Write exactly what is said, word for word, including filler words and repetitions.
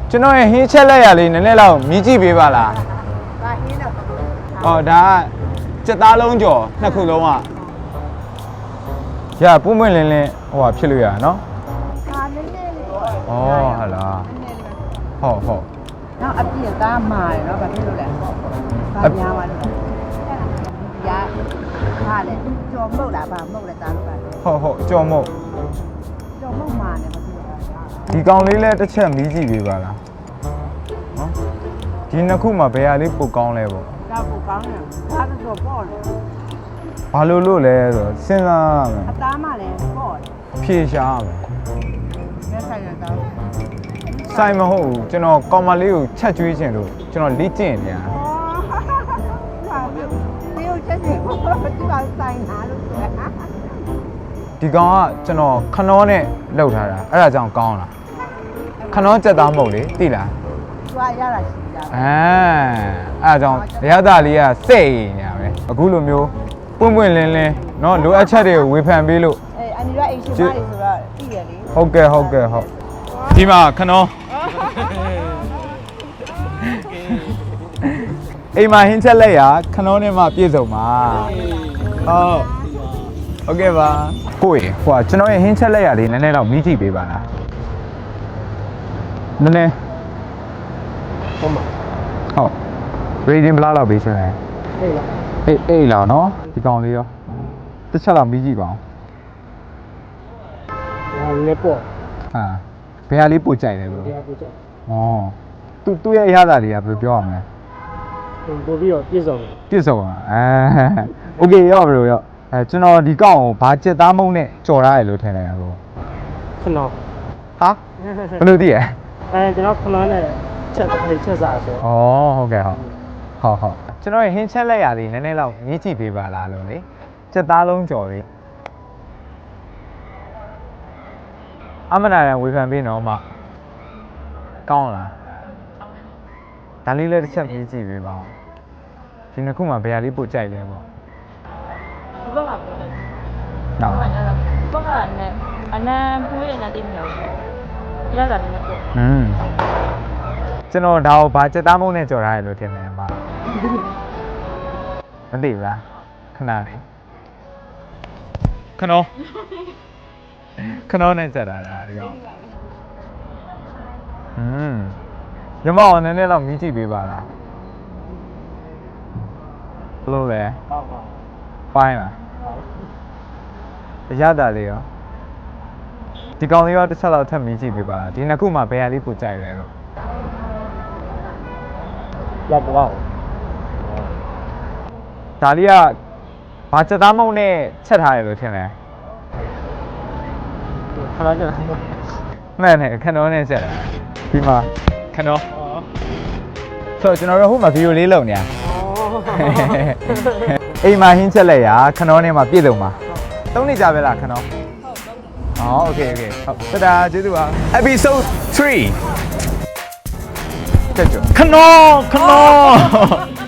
ကျွန်တော်ရဲ့ဟင်းချက်လက်ရလေးနည်းနည်းလောက်မြည်ကြည့်ပေးပါလားဒါဟင်းတော့ဟောဒါစက်သားလုံးကျော်နှစ်ခုလုံးอ่ะရပွင့်ပွင့်လင်းလင်းဟိုဟာဖြစ်လို့ရနော်ဟာနည်းနည်းလေးဩဟုတ်လားဟုတ်ဟုတ်နောက်အပြည့်သားမာတယ်နော်ဘာဖြစ်လို့လဲဘာများပါလို့ရဟာလေကြော်မုတ်လားဗာမုတ်လဲသားလို့ပါဟုတ်ဟုတ်ကြော်မုတ်ကြော်မုတ်မာတယ်ဘာဖြစ်လို့ဒီကောင်လေးလည်းတစ်ချက်မီးကြည့်ပေးပါလားနော်ဒီနှစ်ခုမှာဘယ်ဟာလေးပိုကောင်းလဲပေါ့ဒါပိုကောင်းတယ်ဒါတော့ပေါ့လေဘာလို့လို့လဲဆိုစဉ်းစားရမယ်အသားမှလည်းပေါ့တယ်ဖြေရှားရမယ်လက်ဆိုင်ရတော့ဆိုင်မဟုတ်ဘူးကျွန်တော်ကောင်မလေးကိုချက်ကျွေးခြင်းလို့ကျွန်တော်လေ့ကျင့်နေတာဟာဒီကိုချက်ချင်ဘာသူကဆိုင်လာလို့ဆိုရဒီကောင်ကကျွန်တော်ခနောနဲ့လှုပ်ထားတာအဲ့ဒါကြောင့်ကောင်းလားခနောကြက်သားမဟုတ်လေသိလားသူကရတာရှိတာအဲအဲ့ဒါကြောင့်ရရသားလေးကစိတ်ညာပဲအခုလိုမျိုးပွင့်ပွင့်လင်းလင်းเนาะလိုအပ်ချက်တွေကိုဝေဖန်ပေးလို့အေးအန်ဒီကအိမ်ရှင်မတွေဆိုတော့သိတယ်လေဟုတ်ကဲ့ဟုတ်ကဲ့ဟုတ်ဒီမှာခနောအိမ်မှာဟင်းချက်လက်ရခနောနဲ့မှပြည့်စုံပါဟုတ်ဟုတ်ကဲ့ပါကိုယ်ဟိုကျွန်တော်ရဲ့ဟင်းချက်လက်ရလေးနည်းနည်းတော့မိကြည့်ပေးပါလားနည်းနည်းဟုတ်ပါဟုတ် reading ဘလောက်လောက်ပေးချင်လဲအေးလားအေးအေးလားနော်ဒီကောင်လေးရောတစ်ချက်လောက်မိကြည့်ပါအောင်ဟာလေပေါ့ဟာဘယ်ဟာလေးပို့ကြိုက်လဲဘယ်ဟာပို့ကြိုက်ဩသူသူ့ရဲ့အရသာတွေကဘယ်လိုပြောရမလဲပို့ပြီးတော့ပြည့်စုံပြည့်စုံอ่ะအဲโอเคရောဘယ်လိုရောအဲကျွန်တော်ဒီကောင်ကိုဘာကြက်သားမုံနဲ့ကြော်ထားရလို့ထင်တယ်ကောခဏဟာဘယ်လိုသိရအဲကျွန်တော်ခဏနဲ့ချက်ချက်စားဆိုဩဟုတ်ကဲ့ဟုတ်ဟုတ်ဟုတ်ကျွန်တော်ရဲ့ဟင်းချက်လက်ရသည်နည်းနည်းလောက်မြည်ကြည့်ပေးပါလားလို့လေကြက်သားလုံးကြော်လေးအမနာရန်ဝေဖန်ပေးနော်မကောင်းလားဒါလေးလည်းတစ်ချက်မြည်ကြည့်ပေးပါဦးဒီနှစ်ခုမှာဘယ်ဟာလေးပို့ကြိုက်လဲပေါ့ဘက်ကပြောတယ်။နော်။ဘက်ကနဲ့အနံပွေးရတဲ့တိမလို့ရတာလည်းပေါ့။อืมကျွန်တော်ဒါကိုဘာစက်သားမုံနဲ့ကြော်ထားရလို့ထင်တယ်အမ။မသိဘူးလားခဏလေးခဏခဏနဲ့စက်တာဒါဒီကောင်။อืมရမအောင်နည်းနည်းတော့မြည်ကြည့်ပေးပါလား။ဘယ်လိုလဲ။ဟုတ်ပါပိုင်းလားရတာလေးရောဒီကောင်လေးရောတစ်ချက်လောက်ထပ်မြည်ကြည့်ပေးပါဒီနှစ်ခုမှာဘယ်ဟာလေးပိုကြိုက်လဲလို့လောက်ပေါ့ဒါလေးကဘာစက်သားမုံနဲ့ချက်ထားရလို့ထင်တယ်ခဏကြာမှန်တယ်ခဏနဲ့ချက်တာဒီမှာခဏဆိုကျွန်တော်တို့ဟိုမှာဗီဒီယိုလေးလုပ်နေတာအိမ်မှာဟင်းချက်လက်ရခဏနဲ့မှာပြည့်စုံပါသုံးနေကြပဲလားခဏဟုတ်ဟုတ်โอเคโอเคဟုတ်တဒါကျေးဇူးပါ episode three တက်ကြခဏခဏ